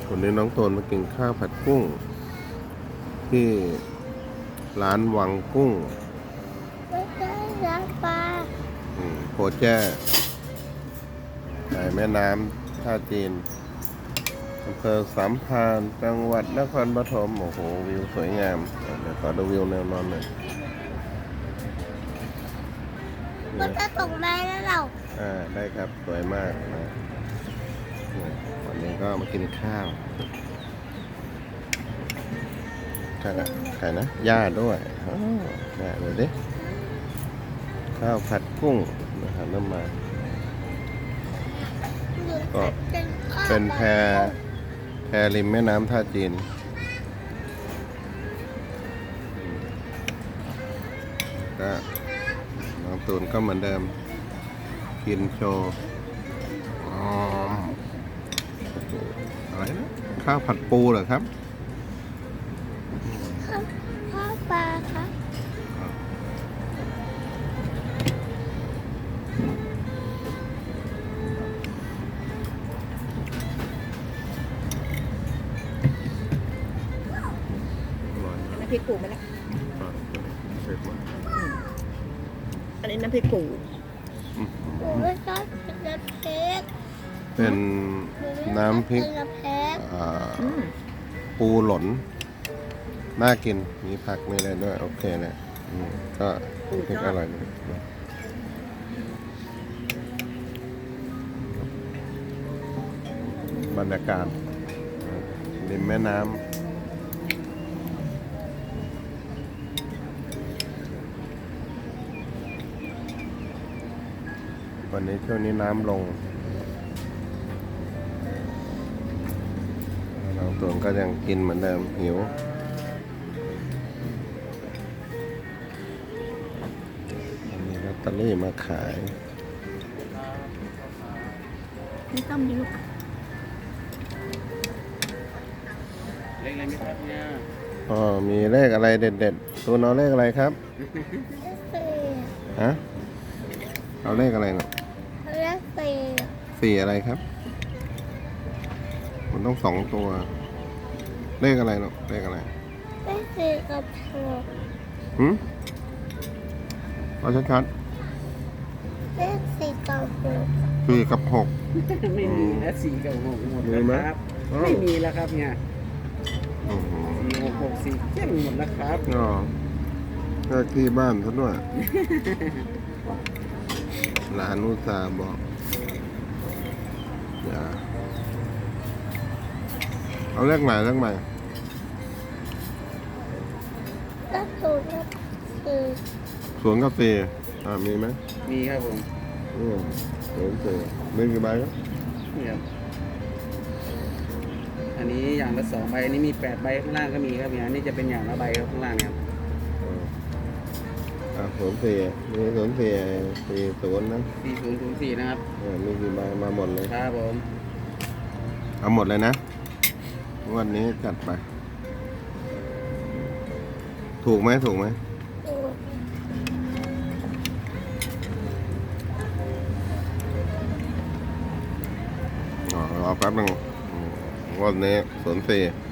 วันนี้น้องโตนมากินข้าวผัดกุ้ง ที่ร้านวังกุ้งไม่ใช่น้ำปลาโพแจ้ในแม่น้ำท่าจีนอำเภอสามพรานจังหวัดนครปฐมโอ้โหวิวสวยงามเดี๋ยวขอดูวิวแนวนอนหน่อยมันจะตกได้แล้วเราได้ครับสวยมากนะวันนี้ก็มากินข้าวไก่นะย่าด้วยได้เลยดิข้าวผัดกุ้งนะครับน้ำมันก็เป็นแพริมแม่น้ำท่าจีนก็น้องตูนก็เหมือนเดิมกินโชว์อะไรนะข้าวผัดปูเหรอครับข้าวปลาครับน้ำพริกปูไหมล่ะอันนี้น้ำพริกปูหนูไม่ชอบกินน้ำพริกเป็นน้ำพริกน้ำพริกปูหล่นน่ากินมีผักมีอะไรด้วยโอเคเลยก็พริกอร่อยดีบรรยากาศริมแม่น้ำวันนี้ช่วงนี้น้ำลงน้องตูนก็ยังกินเหมือนเดิมหิวมีลอตเตอรี่มาขายไม่ต้มดิลูกเลขอะไรไหมครับเนี่ยมีเลขอะไรเด็ดๆตัวน้องเลขอะไรครับ ฮะเอาเลขอะไรเนาะเลขสี่สี่อะไรครับมันต้อง2 ตัว เลขอะไรเนาะเลขอะไรเลขสี่กับหกเอาชัดเลขสี่กับหกๆ4 กับ 6 ไม่มีนะ4 กับ 6หมดมีแล้วไหมครับอ้าวไม่มีแล้วครับเนี่ยโอ้โห 4 6 6 4เจ๊งหมดแล้วครับก็เลขที่บ้านซะด้วย หลานอุตส่าห์บอกอย่าเอาเลขใหม่เลขใหม่เลขศูนย์กับสี่ 0 กับ 4มีไหมมีครับผม 0 4มีกี่ใบครับนี่ครับอันนี้อย่างละ2 ใบอันนี้มี8 ใบข้างล่างก็มีครับเนี่ยอันนี้จะเป็นอย่างละใบครับข้างล่างเนี่ยครับ 04มี04 40นะ 4004นะครับมีกี่ใบมาหมดเลยครับผมเอาหมดเลยนะวันนี้จัดไป ถูกไหมถูกรอแป๊บนึงวันนี้04